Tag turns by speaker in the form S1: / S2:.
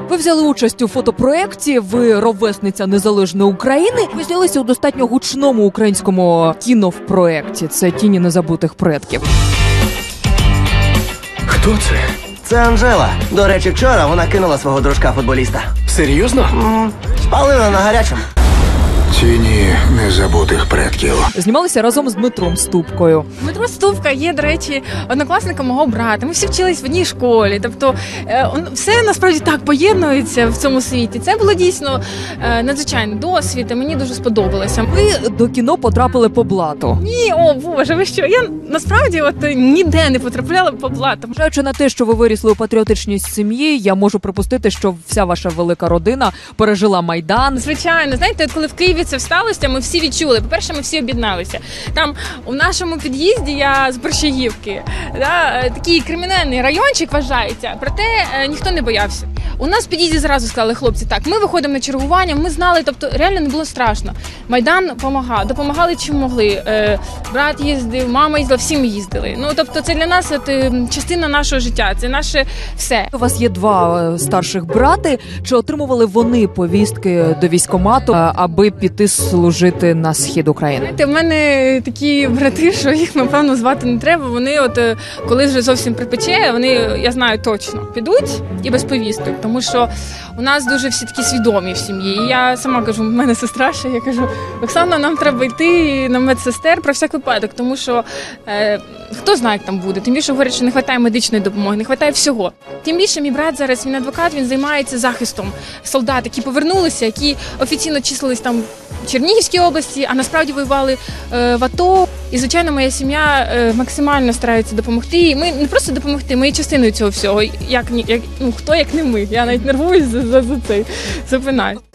S1: Ви взяли участь у фотопроєкті, ви ровесниця Незалежної України. Ви знялися у достатньо гучному українському кінопроєкті. Це «Тіні незабутих предків».
S2: Хто це?
S3: Це Анжела. До речі, вчора вона кинула свого дружка-футболіста.
S2: Серйозно?
S3: Спалила на гарячому.
S4: Тіні незабутих предків.
S1: Знімалися разом з Дмитром Ступкою.
S5: Дмитро Ступка є, до речі, однокласником мого брата. Ми всі вчились в одній школі. Тобто все насправді так поєднується в цьому світі. Це було дійсно надзвичайний досвід, і мені дуже сподобалося.
S1: Ви до кіно потрапили по блату.
S5: Ні, о Боже, ви що? Я насправді ніде не потрапляла по блатам.
S1: Зважаючи на те, що ви вирісли у патріотичній сім'ї, я можу припустити, що вся ваша велика родина пережила Майдан.
S5: Звичайно, знаєте, от коли в Києві це сталося, ми всі відчули. По-перше, ми всі об'єдналися. Там у нашому під'їзді, я з Борщагівки, такий кримінальний райончик вважається, проте ніхто не боявся. У нас в під'їзді зразу сказали, хлопці, так, ми виходимо на чергування, ми знали, тобто реально не було страшно. Майдан допомагали чим могли. Брат їздив, мама їздила, всі ми їздили. Ну, тобто це для нас частина нашого життя, це наше все.
S1: У вас є два старших брати. Чи отримували вони повістки до військкомату, аби піти служити на схід України?
S5: Знаєте, в мене такі брати, що їх, напевно, звати не треба. Вони коли вже зовсім припече, вони, я знаю точно, підуть і без повісток. Тому що у нас дуже всі такі свідомі в сім'ї. І я сама кажу, в мене сестра ще, я кажу, Оксана, нам треба йти на медсестер про всяк випадок, тому що хто знає, як там буде. Тим більше говорять, що не вистачає медичної допомоги, не вистачає всього. Тим більше мій брат зараз, він адвокат, він займається захистом солдат, які повернулися, які офіційно числились там в Чернігівській області, а насправді воювали в АТО. І, звичайно, моя сім'я максимально старається допомогти. І ми не просто допомогти, ми є частиною цього всього. Хто як не ми. Я навіть нервуюсь за цей запинаю.